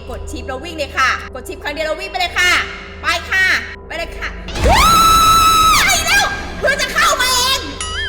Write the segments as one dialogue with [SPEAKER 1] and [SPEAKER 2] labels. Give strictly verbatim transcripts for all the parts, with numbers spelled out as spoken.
[SPEAKER 1] กดชิปแล้ววิ่งเลยค่ะกดชิปครั้งเดียวแล้ววิ่งไปเลยค่ะไปค่ะไปเลยค่ะไปแล้วเพื่อจะเข้ามาเอง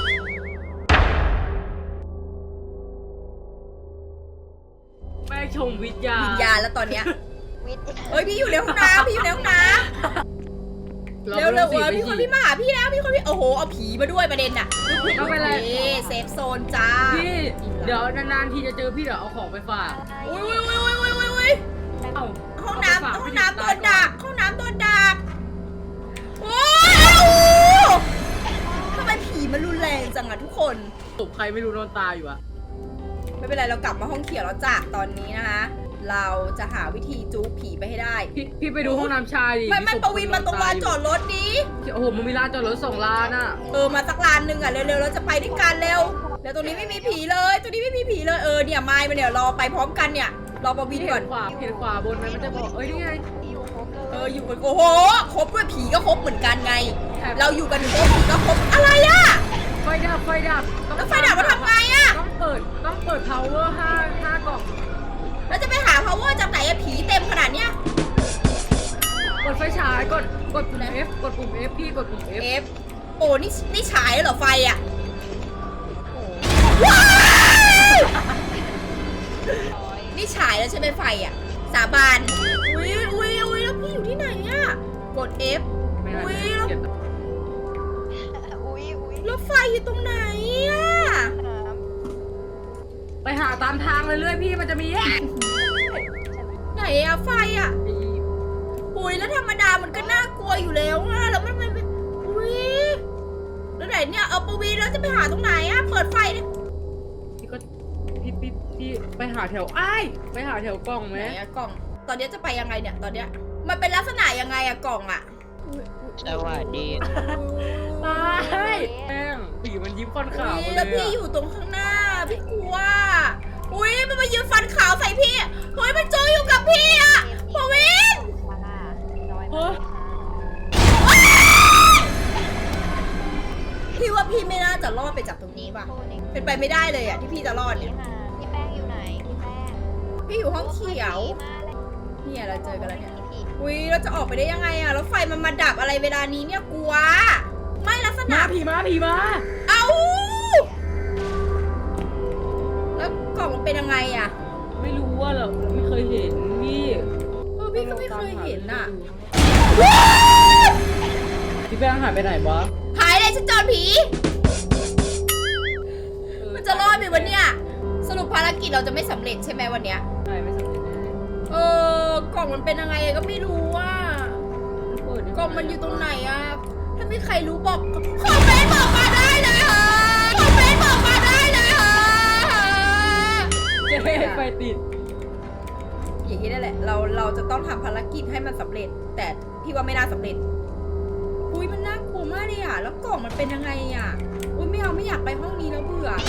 [SPEAKER 2] แม่ชมวิทยา
[SPEAKER 1] วิญญาณแล้วตอนเนี้ย
[SPEAKER 3] วิทย์
[SPEAKER 1] เฮ้ยพี่อยู่ในห้องน้ำพี่อยู่ในห้องน้ำเร็วเร็วเออพี่คนพี่มาหาพี่แล้วพี่คนพี่โอ้โหเอาผีมาด้วยประเด็นน่ะ
[SPEAKER 2] ไม่เป็นไร
[SPEAKER 1] เซฟโซนจ้า
[SPEAKER 2] พี่เดี๋ยวนานๆทีจะเจอพี่เดี๋ยวเอาของไปฝาก
[SPEAKER 1] อุ้ยอุ้ยอุ้ยอุ้ยอุ้ยอุ้ย
[SPEAKER 2] เอ้า
[SPEAKER 1] ห้องน้ำห้องน้ำโดนดักห้องน้ำโดนดักโอ้ยทำไมผีมันรุนแรงจังอะทุกคน
[SPEAKER 2] ตบใครไม่รู้นอนตายอยู่อะ
[SPEAKER 1] ไม่เป็นไรเรากลับมาห้องเขียวแล้วจ้ะตอนนี้นะคะเราจะหาวิธีจู๊ผีไปให้ได้
[SPEAKER 2] พี่พี่ไปดูห้องน้ำชายดิ
[SPEAKER 1] ไม่ไม่ปวินมาตรงลานจอดรถนี้
[SPEAKER 2] โอ้โหมันมีลานจอดรถสองลานอะ
[SPEAKER 1] เออมาสักลานหนึ่งอ่ะเร็วๆเราจะไปด้วยกันเร็วแล้วตรงนี้ไม่มีผีเลยตรงนี้ไม่มีผีเลยเออเนี่ยไม้มาเนี่ยรอไปพร้อมกันเนี่ยรอปวินก่อน
[SPEAKER 2] ขวาเห็นขวาบนไหมมันจะบอกเอ้ยนี่ไง
[SPEAKER 3] อยู่ครบเลย
[SPEAKER 1] เอออยู่กันโอ้โหครบด้วยผีก็ครบเหมือนกันไง เราอยู่กันครบผีก็ครบอะไรอ่ะ
[SPEAKER 2] ไฟดับไฟดับ
[SPEAKER 1] แล้วไฟดับมาทำไงอ่ะ
[SPEAKER 2] ต้องเปิดต้องเปิด power ห้าห้ากล่อง
[SPEAKER 1] แล้วจะไปหา power จากไหนอะผีเต็มขนาดเนี้ย
[SPEAKER 2] กดไฟฉายกดกดปุ่ม F กดปุ่ม F พี่กดปุ่ม F
[SPEAKER 1] F โอ้นี่นี่ฉายเหรอไฟอ่ะว้าวนี่ฉายแล้วใช่ไหมไฟอ่ะสาบานอุ้ยอุ้ยอุ้ยแล้วพี่อยู่ที่ไหนอ่ะกด F
[SPEAKER 2] ไม่ได้
[SPEAKER 1] อุ้ย
[SPEAKER 2] เก็บ
[SPEAKER 3] อุ้ยอุ้ย
[SPEAKER 1] แล้วไฟอยู่ตรงไหนอ่ะ
[SPEAKER 3] น้
[SPEAKER 2] ไปหาตามทางเรื่อยๆพี่มันจะมีแยก
[SPEAKER 1] ไหนอะไฟอะอุ้ยแล้วธรรมดามันก็น่ากลัวอยู่แล้วอะแล้วมันมันอุ้ยแล้วไหนเนี่ยเอาปวีแล้วจะไปหาตรงไหนอะเปิดไฟเนี่ย
[SPEAKER 2] พี่ก็พี่พี่พี่ไปหาแถวไอ้ายไปหาแถวกล่องไหม
[SPEAKER 1] ไหนอะกล่อง ตอนนี้จะไปยังไงเนี่ยตอนเนี้ยมันเป็นลักษณะยังไงอะกล่องอะอุ๊ยอุ๊ย
[SPEAKER 4] สวัสดี
[SPEAKER 2] ตายแม่งผีมันยิ้มฟันขาว
[SPEAKER 1] อุ๊ย
[SPEAKER 2] มา
[SPEAKER 1] แล้ว
[SPEAKER 2] เล
[SPEAKER 1] พี่
[SPEAKER 2] ย
[SPEAKER 1] อยู่ตรงข้างหน้าพี่กลัวอุ้ยมันมายืนฟันขาวใส่พี่เฮ้ยมันโจอยู่กับพี่อะปวีน
[SPEAKER 3] ำมาล่าน้อยมาก
[SPEAKER 1] พี่ว่าพี่ไม่น่าจะรอดไปจากตรงนี้ป่ะ เป็นไปไม่ได้เลยอะที่พี่จะรอดเนี่ย
[SPEAKER 3] พี่แป้งอยู่ไหนพี่แป้ง
[SPEAKER 1] พี่อยู่ห้องเขียว
[SPEAKER 3] มาเลย
[SPEAKER 1] เนี่ยเราเจอกันแล้วเนี่ย
[SPEAKER 3] พี่
[SPEAKER 1] อุ้ยเราจะออกไปได้ยังไงอะแล้วไฟมันมาดับอะไรเวลานี้เนี่ยกลัว ไม่ลักษณะ
[SPEAKER 2] มาผีมาผีมา
[SPEAKER 1] เอ้าแล้วกล่องมันเป็นยังไงอะ
[SPEAKER 2] ไม่รู้ว่าเหรอไม่เคยเห็นพี่
[SPEAKER 1] เออพี่ก็ไม่เคยเห็นอะ
[SPEAKER 2] พี่แป้งหายไปไหนวะ
[SPEAKER 1] หายเลยฉันเจอผี มันจะรอดไหมวันเนี้ยสรุปภารกิจเราจะไม่สำเร็จใช่ไหมวันเนี้ย
[SPEAKER 2] ใช่ไม่สำเร็จแน่
[SPEAKER 1] เออกล่องมันเป็นยังไงก็ไม่รู้ว่า
[SPEAKER 2] เปิดได้ไห
[SPEAKER 1] กล่องมันอยู่ตรงไหนอะถ้ามีใครรู้บอกคอมเมนต์บอกมาได้เลยค่ะคอมเมนต์บอกมาได้เลยค่ะ
[SPEAKER 2] เจ๊ไฟติด
[SPEAKER 1] อย่างนี้นั่นแหละเราเราจะต้องทำภารกิจให้มันสำเร็จ แต่พี่ว่าไม่น่าสำเร็จอุ้ยมันน่ากลัวมากเลยอะแล้วกล่องมันเป็นยังไงอะอุ้ยไม่เอาไม่อยากไปห้องนี้แล้วเบื่อ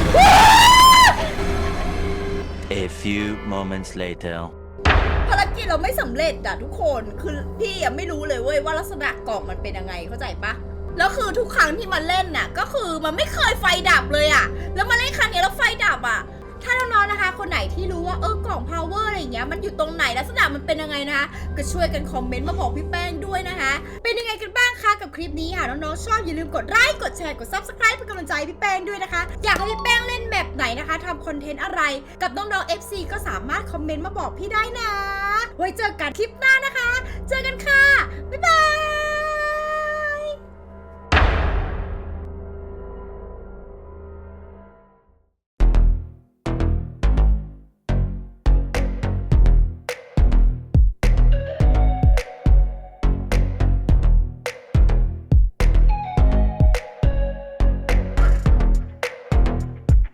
[SPEAKER 5] A few moments later.
[SPEAKER 1] ภารกิจเราไม่สำเร็จอะทุกคนคือพี่ยังไม่รู้เลยเว้ยว่าลักษณะกล่องมันเป็นยังไงเข้าใจปะแล้วคือทุกครั้งที่มันเล่นน่ะก็คือมันไม่เคยไฟดับเลยอะแล้วมาเล่นครั้งนี้แล้วไฟดับอะถ้าน้องๆนะคะ คนไหนที่รู้ว่าเออกล่อง power อะไรอย่างเงี้ยมันอยู่ตรงไหนลักษณะมันเป็นยังไงนะคะก็ช่วยกันคอมเมนต์มาบอกพี่แป้งด้วยนะคะเป็นยังไงกันบ้างคะกับคลิปนี้ค่ะน้องๆชอบอย่าลืมกดไลค์กดแชร์กด ซับสไครบ์ เป็นกำลังใจพี่แป้งด้วยนะคะอยากให้พี่แป้งเล่นแบบไหนนะคะทำคอนเทนต์อะไรกับน้องๆ เอฟ ซี ก็สามารถคอมเมนต์มาบอกพี่ได้นะไว้เจอกันคลิปหน้านะคะ